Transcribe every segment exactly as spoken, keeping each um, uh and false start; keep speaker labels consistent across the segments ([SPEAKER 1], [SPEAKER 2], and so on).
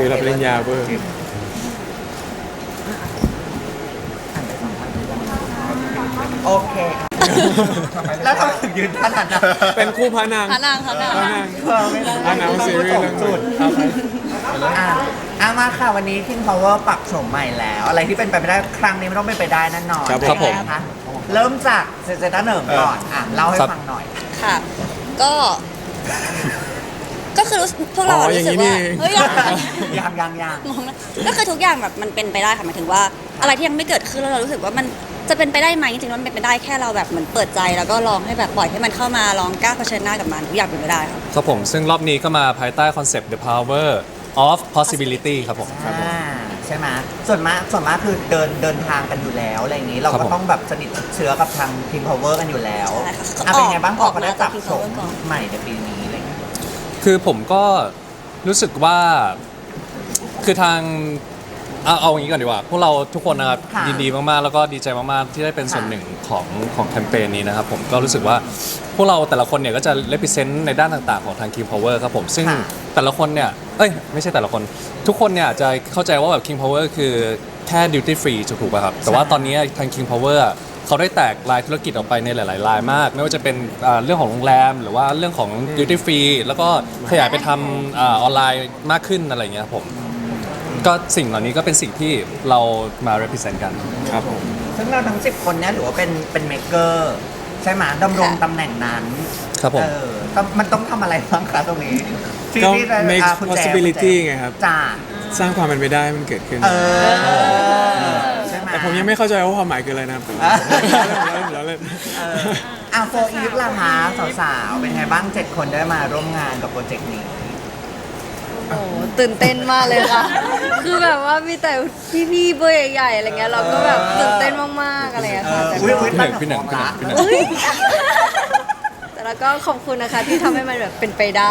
[SPEAKER 1] ฟิลรับปริญญาเบอร์
[SPEAKER 2] โอเคแล้วทำไมถึงยืนท่านั้นนะ
[SPEAKER 1] เป็นคู่พระนาง
[SPEAKER 3] พระนางพระนาง
[SPEAKER 1] พระนาง
[SPEAKER 2] เออไม่ได้
[SPEAKER 1] พระนางซีรีส์เรื่อง
[SPEAKER 2] จุด
[SPEAKER 1] ครับ
[SPEAKER 2] อ่ะอ่ะมาค่ะวันนี้ King Power ปรับโฉมใหม่แล้ว อะไรที่เป็นไปไม่ได้ครั้งนี้ไม่ต้องเป็นไปได้แน่นอน
[SPEAKER 1] ครับผม
[SPEAKER 2] ยังไงคะเริ่มจากเซเซต้าเหนิงก่อนอ่ะเล่าให้ฟังหน่อย
[SPEAKER 3] ค่ะ ก็ ก็คือรู้สึกพวกเรา
[SPEAKER 1] อ๋อ
[SPEAKER 3] รู้สึกว่า
[SPEAKER 1] อย่างนี้นี่เอง
[SPEAKER 3] เฮ้ย
[SPEAKER 2] ยังยังยัง
[SPEAKER 3] งงนะก็คือทุกอย่างแบบมันเป็นไปได้ค่ะหมายถึงว่า อะไรที่ยังไม่เกิดขึ้นแล้วเรารู้สึกว่ามันจะเป็นไปได้ไหมจริงๆแล้วมันเป็นไปได้แค่เราแบบเหมือนเปิดใจแล้วก็ลองให้แบบปล่อยให้มันเข้ามาลองกล้าเผชิญหน้ากับมันทุกอย่างเป็นไปได้ค่ะ
[SPEAKER 4] ครับผมซึ่งรอบนี้ก็มาภายใต้คอนเซปต์ The Power of Possibility ครับผม
[SPEAKER 2] อ่าใช่ไหมส่วนมากส่วนมากคือเดินเดินทางกันอยู่แล้วอะไรอย่างนี้ เรา
[SPEAKER 4] ครับ
[SPEAKER 2] ก็
[SPEAKER 4] ผม
[SPEAKER 2] ต้องแบบสนิทชิดเชื้อกับทาง King Power กันอยู่แล้ว
[SPEAKER 3] ใช่ค่ะ
[SPEAKER 2] อ่ะเป็นไงบ้างพ
[SPEAKER 3] อ
[SPEAKER 2] อ
[SPEAKER 3] อก
[SPEAKER 2] เขาได้
[SPEAKER 3] มา
[SPEAKER 2] ปรับ
[SPEAKER 3] จาก King
[SPEAKER 2] โฉม
[SPEAKER 3] Power ก่อน
[SPEAKER 2] ใหม่ในปีนี้อะไรอย่างเงี้ย
[SPEAKER 4] คือผมก็รู้สึกว่าคือทางเอาเอาอย่างนี้ก่อนดีกว่า พวกเราทุกคนนะครับ
[SPEAKER 2] ค่ะ
[SPEAKER 4] ยินดีมากๆ แล้วก็ดีใจมากๆ ที่ได้เป็นส่วนหนึ่งของของแคมเปญนี้นะครับผมก็รู้สึกว่าพวกเราแต่ละคนเนี่ยก็จะ represent ในด้านต่างๆของทาง King Power ครับผมซึ่ง
[SPEAKER 2] ค่ะ
[SPEAKER 4] แต่ละคนเนี่ยเอ้ยไม่ใช่แต่ละคน ทุกคนเนี่ยอาจจะเข้าใจว่าแบบ King Power คือแค่ duty free ถูกป่ะครับแต่ว่าตอนนี้ทาง King Power อะเขาได้แตกลายธุรกิจออกไปในหลายๆรายมาก ไม่ว่าจะเป็นอ่าเรื่องของโรงแรม หรือว่าเรื่องของ duty free แล้วก็ขยายไปทำอาออนไลน์มากขึ้นอะไรอย่างเงี้ยครับผมก็สิ่งเหล่านี้ก็เป็นสิ่งที่เรามา represent กัน
[SPEAKER 1] ครับผม
[SPEAKER 2] ซึ่งเราทั้งสิบคนเนี้ยถือว่าเป็นเป็นเมเกอร์ใช่ไหมดำรง
[SPEAKER 3] ค่ะ
[SPEAKER 2] ตำแหน่งนั้น
[SPEAKER 4] ครับผม
[SPEAKER 2] เออต้องมันต้องทำอะไรบ้างคะตรงนี้ที่
[SPEAKER 1] ก็
[SPEAKER 2] ที่จะ
[SPEAKER 1] make
[SPEAKER 2] อ่ะคุณแจ
[SPEAKER 1] possibility
[SPEAKER 2] คุณแจ
[SPEAKER 1] ไงครับ
[SPEAKER 2] จ้า
[SPEAKER 1] สร้างความเป็นไปได้ให้มันเกิดขึ้น
[SPEAKER 2] เออใช่ไหม
[SPEAKER 1] แต่ผมยังไม่เข้าใจว่าความหมายคืออะไรนะครับ
[SPEAKER 2] อ่ะ
[SPEAKER 1] แล้วเล่น
[SPEAKER 2] เอออ่ะโฟอีฟล่ะคะสาวๆ เป็นไงบ้างเจ็ดคนได้มาร่วมงานกับโปรเจกต์นี้
[SPEAKER 5] โอ้โหตื่นเต้นมากเลยค่ะ คือแบบว่ามีแต่พี่ๆเบอร์ใหญ่ๆอะไรเงี้ยเราก็แบบตื่นเต้นมากๆอะไรเงี้ยค่ะแต่
[SPEAKER 2] อุ้ย
[SPEAKER 5] ก็
[SPEAKER 2] อุ้ย
[SPEAKER 4] พี่หนึ่งพี่หนึ่งพี่หนึ่ง
[SPEAKER 5] เอ้ยแต่แล้วก็ขอบคุณนะคะที่ทำให้มันแบบเป็นไปได้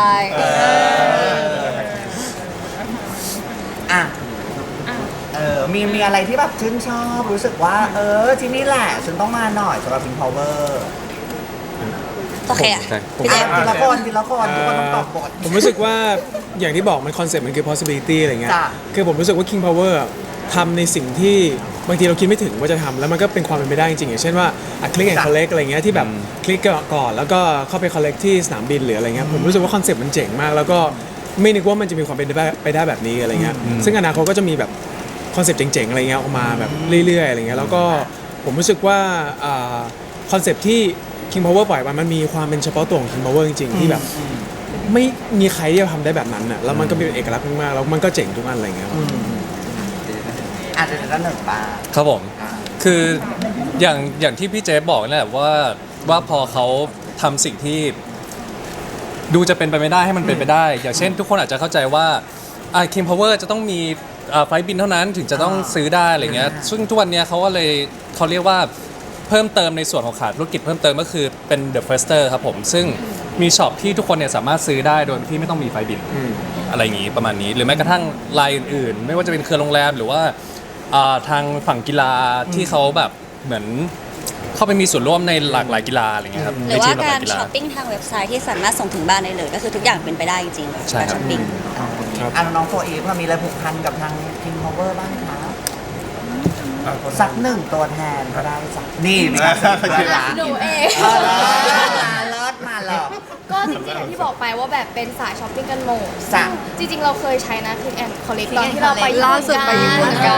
[SPEAKER 2] อ่ะเออมีมีอะไรที่แบบชื่นชอบรู้สึกว่า เออ ที่นี่แหละฉันต้องมาหน่อยสำหรับ King Power
[SPEAKER 3] โอเคอะ
[SPEAKER 4] ใช่ผม
[SPEAKER 3] พี่เจ
[SPEAKER 2] อ่ะ
[SPEAKER 3] มส์
[SPEAKER 2] ทีละคนทีละคนทุกคนต้องตอบบท
[SPEAKER 1] ผมรู้สึกว่าอย่างที่บอกมันคอนเซ็ปต์มันคือ possibility อะไรเงี้ย
[SPEAKER 2] จ้ะ
[SPEAKER 1] คือผมรู้สึกว่า King Power อะทำในสิ่งที่บางทีเราคิดไม่ถึงว่าจะทำแล้วมันก็เป็นความเป็นไปได้จริงๆอย่างเช่นว่าอ่ะคลิกแอนด์คอลเลกอะไรเงี้ยที่แบบคลิกก่อนแล้วก็เข้าไปคอลเลกที่สนามบินหรืออะไรเงี้ยผมรู้สึกว่าคอนเซ็ปต์มันเจ๋งมาก แล้วก็ไม่นึกว่ามันจะมีความเป็นไปได้แบบนี้อะไรเงี้ยซึ่งอนาคตก็จะมีแบบคอนเซ็ปต์เจ๋งๆอะไรเงี้ยออกมาแบบเรื่อยๆอะไรเงี้ยแล้วก็ผมรู้สึกว่าคอนเซ็ปต์ที่ King Power ปล่อยมามันมีความเป็นเฉพาะตัวของ King Power จริงๆที่แบบไม่มีใครที่จะทำได้แบบนั้นน่ะแล้วมันก็เป็นเอกลักษณ์มากๆแล้วมันก็เจ๋งทุกอันอะไรเงี้ย
[SPEAKER 2] อาจจะด้านหนึ่งป้า
[SPEAKER 4] ครับผม คืออย่างอย่างที่พี่เจฟบอกนั่นแหละว่าว่าพอเขาทำสิ่งที่ดูจะเป็นไปไม่ได้ให้มันเป็นไปได้ อย่างเช่น ทุกคนอาจจะเข้าใจว่าอ่า King Power จะต้องมีอ่าไฟล์บินเท่านั้นถึงจะต้องซื้อได้อะไรเงี้ยซึ่งทุกวันเนี้ยเขาก็เลยเขาเรียกว่าเพิ่มเติมในส่วนของขาดธุรกิจเพิ่มเติมก็คือเป็น The Firster ครับผมซึ่งมีช็อปที่ทุกคนเนี่ยสามารถซื้อได้โดยที่ไม่ต้องมีไฟล์บิน อะไรอย่างนี้ประมาณนี้ หรือแม้กระทั่งรายอื่นๆ ไม่ว่าจะเป็นเครือโรงแรมหรือว่าอ่าทางฝั่งกีฬาที่เขาแบบเหมือนเข้าไปมีส่วนร่วมในหลากหลายกีฬาอะไรเงี้ยครับ
[SPEAKER 3] ห
[SPEAKER 4] ใน
[SPEAKER 3] รือ
[SPEAKER 4] ที
[SPEAKER 3] ว่าม
[SPEAKER 4] หลากห
[SPEAKER 3] กา
[SPEAKER 4] ลาร ยกีฬา
[SPEAKER 3] ช้อปปิ้งทางเว็บไซต์ที่สามารถส่งถึงบ้านได้เลย ก็คือทุกอย่างเป็นไปได้จริงๆ
[SPEAKER 4] ใช่
[SPEAKER 3] การ
[SPEAKER 4] ครับ
[SPEAKER 3] ช้อปปิ้ง
[SPEAKER 1] ครับ
[SPEAKER 2] อ่ะน้องโฟอีฟมีอะไรผูกพันกับทาง King Power บ้างคะสักหนึ่งตัวแทนก็ได้สักนี่มีการสักตัวละ
[SPEAKER 5] หนูเอง
[SPEAKER 2] เออเลิศมาเลย
[SPEAKER 6] ก็จริงๆอย่างที่บอกไปว่าแบบเป็นสายช้อปปิ้งกันหมด
[SPEAKER 2] จ้ะ
[SPEAKER 6] ซึ่งจริงๆ เราเคยใช้นะคือแอนคอลเลกตอนที่เราไป
[SPEAKER 5] ล่าสุดไปญี่ปุ่นกัน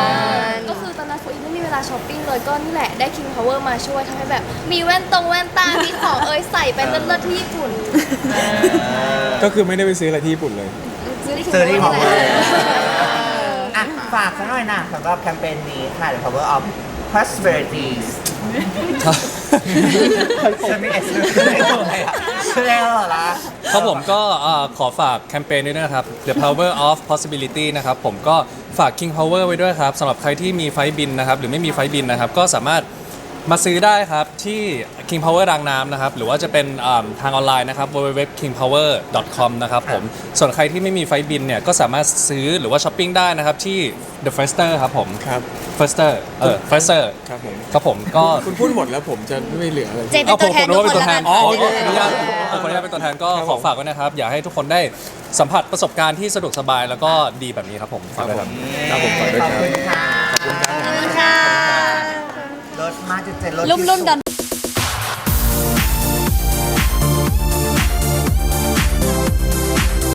[SPEAKER 6] ก็คือตอนนั้นโฟอีไม่มีเวลาช้อปปิ้งเลยก็นี่แหละได้ King Power มาช่วยทำให้แบบมีแว่นตรงแว่นตา มีของเอยใส่ไปเลิศๆที่ญี่ปุ่น
[SPEAKER 1] ก็คือไม่ได้ไปซื้ออะไรที่ญี่ปุ่นเลย
[SPEAKER 6] ซื้อที่
[SPEAKER 2] ซื้อที่
[SPEAKER 6] King
[SPEAKER 2] Power
[SPEAKER 6] Power นี่แหละ
[SPEAKER 2] อ่ะฝากสักหน่อยนะสำหรับแคมเปญนี้ค่ะ The Power of Prosperity จะมีเอสเร็วเหรอล่ะ
[SPEAKER 4] ครับผมก็เอ่อขอฝากแคมเปญนี้ด้วยนะครับ The Power of Possibility นะครับผมก็ฝาก King Power ไว้ด้วยครับสำหรับใครที่มีไฟล์บินนะครับหรือไม่มีไฟล์บินนะครับก็สามารถมาซื้อได้ครับที่ King Power รางน้ำนะครับ หรือว่าจะเป็นอ่าทางออนไลน์นะครับ ดับเบิลยู ดับเบิลยู ดับเบิลยู ดอท คิง พาวเวอร์ ดอท คอม นะครับผม ส่วนใครที่ไม่มีไฟล์บินเนี่ย ก็สามารถซื้อหรือว่าช้อปปิ้งได้นะครับ ที่ The Fester ครับผม
[SPEAKER 1] ครับ
[SPEAKER 4] Fester เออ Fester
[SPEAKER 1] ครับผม
[SPEAKER 4] ครับผมก็
[SPEAKER 1] คุณพูดหมดแล้วผมจะไม่เหลืออะไร
[SPEAKER 3] เจเป็นตัวแทนทุกคนแล้วกัน
[SPEAKER 4] อ๋อ
[SPEAKER 3] ค่ะ
[SPEAKER 4] โอเคขออนุญาตขออนุญาตเป็นตัวแทนก็ขอฝากไว้นะครับ อยากให้ทุกคนได้สัมผัสประสบการณ์ที่สะดวกสบายแล้วก็ดีแบบนี้ครับผมฝากด้วยครับ
[SPEAKER 1] ครับผมขอด้วย
[SPEAKER 2] ขอบ
[SPEAKER 1] ครับ
[SPEAKER 2] คุณค่ะ
[SPEAKER 3] ขอบคุณค่ะ
[SPEAKER 2] รถมาจุดเจ็ดรถ
[SPEAKER 3] รุ่มรุ่มดอน